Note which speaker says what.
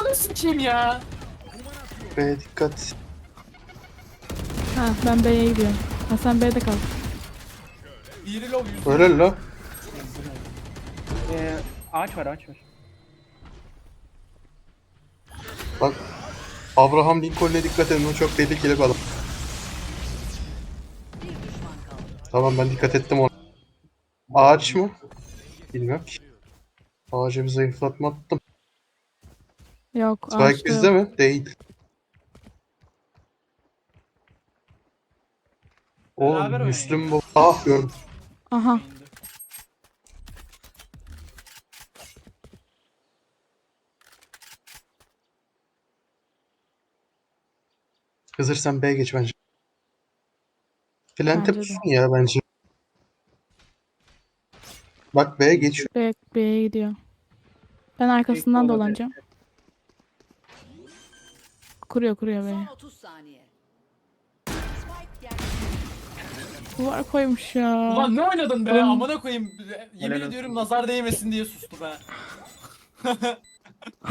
Speaker 1: Ananı sikeyim ya.
Speaker 2: B'ye dikkat.
Speaker 3: Ha ben B'ye gidiyorum. Ha sen B'de kal.
Speaker 1: Biri low 100.
Speaker 2: Öyle la.
Speaker 4: Ağaç var ağaç var.
Speaker 2: Bak. Abraham Lincoln'e dikkat edin. O çok tehlikeli bir adam. Tamam ben dikkat ettim ona. Ağaç mı? Bilmiyorum ki. Ağaca bir zayıflatma attım.
Speaker 3: Yok
Speaker 2: Spike
Speaker 3: ağaçta
Speaker 2: bizde
Speaker 3: yok.
Speaker 2: mi? Değil. O
Speaker 1: Beraber
Speaker 2: Müslüm bu. Ah gördüm.
Speaker 3: Aha.
Speaker 2: Hızır sen B'ye geç bence. Plante
Speaker 3: Bence de.
Speaker 2: pusun ya bence. Bak B'ye geç.
Speaker 3: B'ye gidiyor. Ben arkasından
Speaker 4: olabilir.
Speaker 3: dolanacağım. Kuruyor B'ye.
Speaker 5: Son 30 saniye. Spike yerleştirildi.
Speaker 3: Duvar koymuş ya.
Speaker 1: Ulan ne oynadın be?
Speaker 3: Oğlum.
Speaker 1: Amına koyayım. Yemin
Speaker 4: Helal
Speaker 1: ediyorum nazar değmesin diye sustu be.